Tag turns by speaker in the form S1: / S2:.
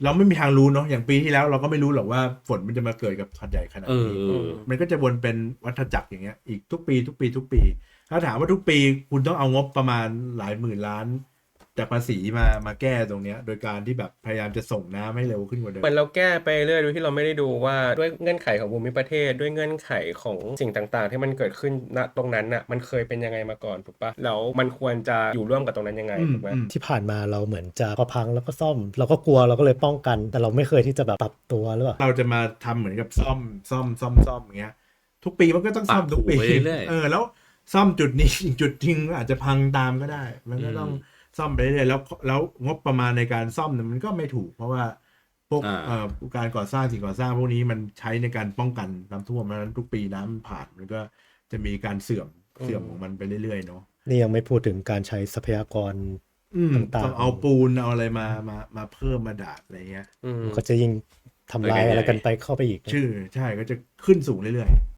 S1: เราไม่มีทางรู้เนาะอย่างปีที่แล้วเราก็ไม่รู้หรอกว่าฝนมันจะมาเกิดกับหาดใหญ่ขนาดนี้มันก็จะวนเป็นวัฏจักรอย่างเงี้ยอีกทุกปีทุกปีทุกปีถ้าถามว่าทุกปีคุณต้องเอางบประมาณหลายหมื่นล้านจากภาษีมาแก้ตรงเนี้ยโดยการที่แบบพยายามจะส่งน้ำให้เร็วขึ้นกว่าเดิ
S2: เหมื
S1: ม
S2: อนเราแก้ไปเรื่อยโดยที่เราไม่ได้ดูว่าด้วยเงื่อนไขของภูมิประเทศด้วยเงื่อนไขของสิ่งต่างๆที่มันเกิดขึ้นณตรงนั้นน่ะมันเคยเป็นยังไงมาก่อนถูกปะแล้วมันควรจะอยู่ร่วมกับตรงนั้นยังไงถูกไหม
S3: ที่ผ่านมาเราเหมือนจะพอพังแล้วก็ซ่อมเราก็กลัวเราก็เลยป้องกันแต่เราไม่เคยที่จะแบบปรับตัวหรือเปล่า
S1: เราจะมาทำเหมือนกับซ่อมอย่างเงี้ยทุกปีมันก็ต้องซ่อมทุกปีแล้วซ่อมจุดนี้อีกจุดจริงอาจจะพังตามก็ได้มันก็ต้องซ่อมไปเรื่อยๆแล้วงบประมาณในการซ่อมเนี่ยมันก็ไม่ถูกเพราะว่าพวกการก่อสร้างสิ่งก่อสร้างพวกนี้มันใช้ในการป้องกันน้ำท่วมเพราะฉะนั้นทุกปีน้ำผ่านมันก็จะมีการเสื่อมของมันไปเรื่อยๆเนาะ
S3: นี่ยังไม่พูดถึงการใช้ทรัพยากรต่าง
S1: ต้องเอาปูนเอาอะไรมาเพิ่มมาดาดอะไรเงี้ย
S3: ก็จะยิ่งทำลายอะไรกันไปเข้าไปอีก
S1: ใช่ก็จะขึ้นสูงเรื่อยๆ